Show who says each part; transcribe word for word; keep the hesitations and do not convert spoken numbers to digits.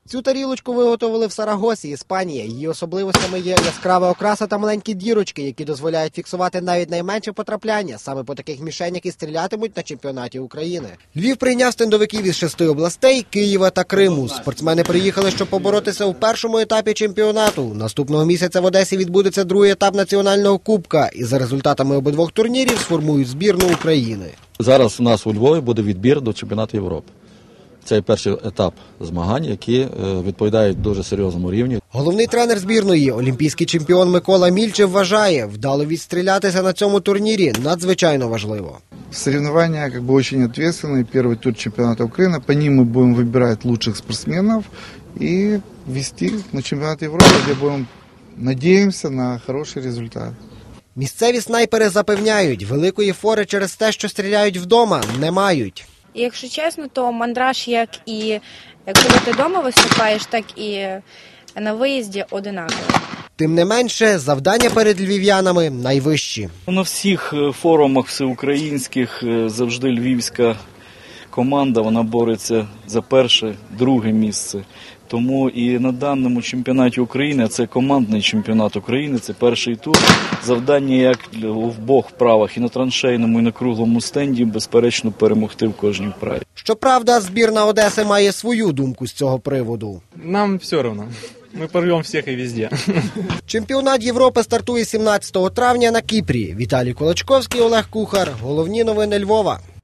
Speaker 1: Цю тарілочку виготовили в Сарагосі, Іспанія. Її особливостями є яскрава окраса та маленькі дірочки, які дозволяють фіксувати навіть найменше потрапляння. Саме по таких мішенях і стрілятимуть на чемпіонаті України. Львів прийняв стендовиків із шести областей – Києва та Криму. Спортсмени приїхали, щоб поборотися у першому етапі чемпіонату. Наступного місяця в Одесі відбудеться другий етап національного кубка. І за результатами обидвох турнірів сформують збірну України.
Speaker 2: Зараз у нас у Львові буде відбір до чемпіонату Європи. Це перший етап змагань, які відповідають дуже серйозному рівню.
Speaker 1: Головний тренер збірної, олімпійський чемпіон Микола Мільчев, вважає, вдало відстрілятися на цьому турнірі надзвичайно важливо.
Speaker 3: Соревнования как бы очень ответственные. Первый тур чемпионата Украины. По ним мы будем выбирать лучших спортсменов и вести на чемпионат Европы, где будем, надеемся на хороший результат.
Speaker 1: Місцеві снайпери запевняють, великої фори через те, що стріляють вдома, не мають.
Speaker 4: І, якщо чесно, то мандраж, як і коли ти вдома виступаєш, так і на виїзді одинаково.
Speaker 1: Тим не менше, завдання перед львів'янами найвищі.
Speaker 5: На всіх форумах всеукраїнських завжди львівська команда, вона бореться за перше, друге місце. Тому і на даному чемпіонаті України, а це командний чемпіонат України, це перший тур, завдання як в обох вправах, і на траншейному, і на круглому стенді, безперечно, перемогти в кожній вправі.
Speaker 1: Щоправда, збірна Одеси має свою думку з цього приводу.
Speaker 6: Нам все одно. Ми порвемо всіх і везде.
Speaker 1: Чемпіонат Європи стартує сімнадцятого травня на Кіпрі. Віталій Колочковський, Олег Кухар. Головні новини Львова.